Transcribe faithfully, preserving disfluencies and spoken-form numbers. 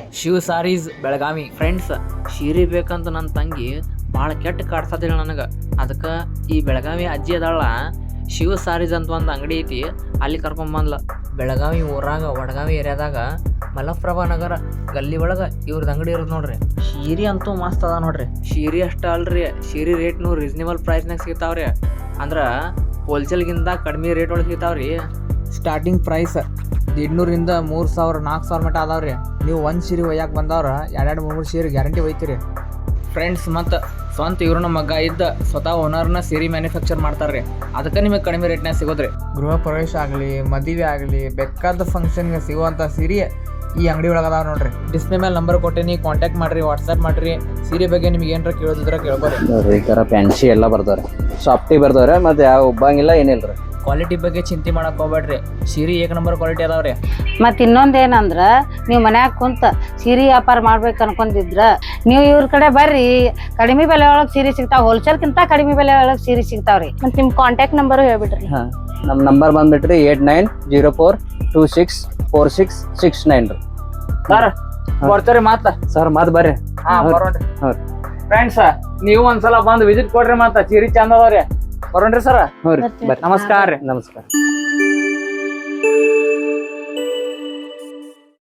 Shiva saris Belagavi. Friends, ಸೀರೆ ಬೇಕಂತ ನನ್ನ ತಂಗಿ ಭಾಳ ಕೆಟ್ಟ ಕಾಡ್ಸದಿಲ್ಲ ನನಗೆ. ಅದಕ್ಕೆ ಈ ಬೆಳಗಾವಿ ಅಜ್ಜಿ ಅದಾಳ, ಶಿವ ಸಾರೀಸ್ ಅಂತ ಒಂದು ಅಂಗಡಿ ಐತಿ, ಅಲ್ಲಿ ಕರ್ಕೊಂಬಂದ್ಲ. ಬೆಳಗಾವಿ ಊರಾಗ ವಡಗಾವಿ ಏರಿಯಾದಾಗ ಮಲಪ್ರಭಾ ನಗರ ಗಲ್ಲಿ ಒಳಗೆ ಇವ್ರದ್ದು ಅಂಗಡಿ ಇರೋದು ನೋಡ್ರಿ. ಸೀರೆ ಅಂತೂ ಮಸ್ತ್ ಅದ ನೋಡ್ರಿ. ಸೀರೆ ಅಷ್ಟ ಅಲ್ರಿ, ಸೀರೆ ರೇಟ್ನು ರೀಸನೇಬಲ್ ಪ್ರೈಸ್ನಾಗ ಸಿಗ್ತಾವ್ರಿ. ಅಂದ್ರೆ ಹೋಲ್ಸೇಲ್ಗಿಂತ ಕಡಿಮೆ ರೇಟ್ ಒಳಗೆ ಸಿಗ್ತಾವ್ರಿ. ಸ್ಟಾರ್ಟಿಂಗ್ ಪ್ರೈಸ್ ದಿಡ್ನೂರಿಂದ ಮೂರು ಸಾವಿರ ನಾಲ್ಕು ಸಾವಿರ ಮಟ್ಟ ಅದಾವ್ರಿ. ನೀವು ಒಂದು ಸೀರೆ ಒಯ್ಯಾಕೆ ಬಂದವ್ರ ಎರಡೆರಡು ಮೂರು ಸೀರೆ ಗ್ಯಾರಂಟಿ ಒಯ್ತೀರಿ. ಫ್ರೆಂಡ್ಸ್, ಮತ್ತು ಸ್ವಂತ ಇವ್ರನ್ನ ಮಗ ಇದ್ದ ಸ್ವತಃ ಓನರ್ನ ಸೀರೆ ಮ್ಯಾನುಫ್ಯಾಕ್ಚರ್ ಮಾಡ್ತಾರೆ. ಅದಕ್ಕೆ ನಿಮಗೆ ಕಡಿಮೆ ರೇಟ್ನಾಗ ಸಿಗೋದ್ರಿ. ಗೃಹ ಪ್ರವೇಶ ಆಗಲಿ, ಮದುವೆ ಆಗಲಿ, ಬೇಕಾದ ಫಂಕ್ಷನ್ಗೆ ಸಿಗುವಂಥ ಸೀರೆ ಈ ಅಂಗಡಿ ಒಳಗೆ ಅದಾವ ನೋಡ್ರಿ. ಡಿಸ್ಪ್ಲೇ ಮೇಲೆ ನಂಬರ್ ಕೊಟ್ಟೇನಿ, ಕಾಂಟ್ಯಾಕ್ಟ್ ಮಾಡಿರಿ, ವಾಟ್ಸಪ್ ಮಾಡಿರಿ. ಸೀರೆ ಬಗ್ಗೆ ನಿಮ್ಗೆ ಏನಾರ ಕೇಳೋದಿದ್ರೆ ಕೇಳ್ಬೋರಿ. ನೋಡ್ರಿ, ಈ ಥರ ಫ್ಯಾನ್ಸಿ ಎಲ್ಲ ಬರ್ತಾವ್ರೆ, ಸಾಫ್ಟಿ ಬರ್ತಾವ್ರೆ, ಮತ್ತು ಯಾವ ಉಬ್ಬಂಗಿಲ್ಲ ಏನಿಲ್ಲ ರೀ. ಕ್ವಾಲಿಟಿ ಬಗ್ಗೆ ಚಿಂತೆ ಮಾಡಕ್ಕೆ ಹೋಗ್ಬೇಡ್ರಿ, ಸೀರೆ ಏಕ ನಂಬರ್ ಕ್ವಾಲಿಟಿ ಅದಾವ್ರಿ. ಮತ್ತು ಇನ್ನೊಂದು ಏನಂದ್ರೆ, ನೀವು ಮನ್ಯಾಗ ಕುಂತ ಸೀರೆ ವ್ಯಾಪಾರ ಮಾಡ್ಬೇಕು ಅನ್ಕೊಂಡಿದ್ರ ನೀವು ಇವ್ರ ಕಡೆ ಬರ್ರಿ. ಕಡಿಮೆ ಬೆಲೆ ಒಳಗೆ ಸೀರೆ ಸಿಗ್ತಾವ, ಹೋಲ್ಸೇಲ್ಕಿಂತ ಕಡಿಮೆ ಬೆಲೆ ಒಳಗೆ ಸೀರೆ ಸಿಗ್ತಾವ್ರಿ. ಮತ್ತು ನಿಮ್ಮ ಕಾಂಟ್ಯಾಕ್ಟ್ ನಂಬರು ಹೇಳ್ಬಿಡ್ರಿ. ಹಾಂ, ನಮ್ಮ ನಂಬರ್ ಬಂದ್ಬಿಟ್ರಿ eight nine zero four two six four six six nine ರೀ. ಸರ್ ಬರ್ತೀರಿ ಮಾತ? ಸರ್ ಮಾತು ಬರ್ರಿ. ಹಾಂ ಬರೋಣ್ರಿ. ಹಾಂ ಫ್ರೆಂಡ್ಸ್, ನೀವು ಒಂದ್ಸಲ ಬಂದು ವಿಸಿಟ್ ಕೊಡ್ರಿ, ಮಾತ ಸೀರೆ ಚಂದ ಅದಾವ್ರಿ. ಬರೋಣ್ರಿ ಸರ್. ಹ್ಞೂ ರೀ, ಬರ್ರಿ. ನಮಸ್ಕಾರ ರೀ. ನಮಸ್ಕಾರ.